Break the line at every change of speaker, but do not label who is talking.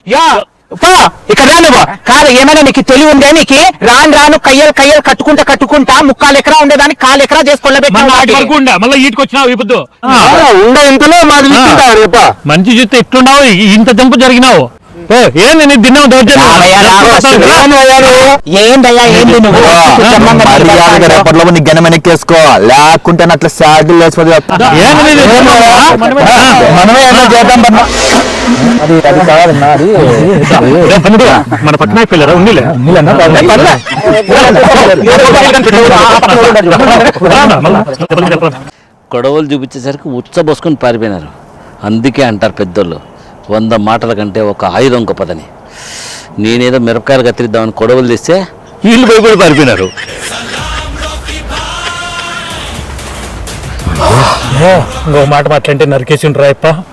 Yeah ఇక్కడ నువ్వు కాదు ఏమైనా నీకు తెలివి ఉందే నీకు రాను కయ్యలు కట్టుకుంటా 3/4 ఎకరా ఉండేదాన్ని 1/4 ఎకరా చేసుకోలేబెట్టా
మళ్ళీ ఈటికి వచ్చినావు ఇప్పుడు
ఉండే ఇంతలో మాది
మంచి చూస్తే ఎట్లున్నావు ఇంత జంపు జరిగినావు ఏంది నీ దిన్నం
ఏందయ్యా ఏంది నువ్వు
రేపట్లో నీ గణం వెనక్కేసుకో లేకుంటే అట్లా శాడిల్ వేసుకోదు మనమే ఏదో చేద్దాం అది కాదన్నా అది
మన పక్కన పిల్లరా ఉండిలే
గొడవలు చూపించేసరికి ఉచ్చబోసుకొని పారిపోయినారు. అందుకే అంటారు పెద్దోళ్ళు 100 మాటల కంటే ఒక ఆయుధం గొప్పదని. నేనేదో మిరపకాయలు కత్తిరిద్దామని గొడవలు తెస్తే వీళ్ళు పోయి పారిపోయినారు.
ఇంకో మాట మాట్లాంటే నరికేసి రాయప్ప.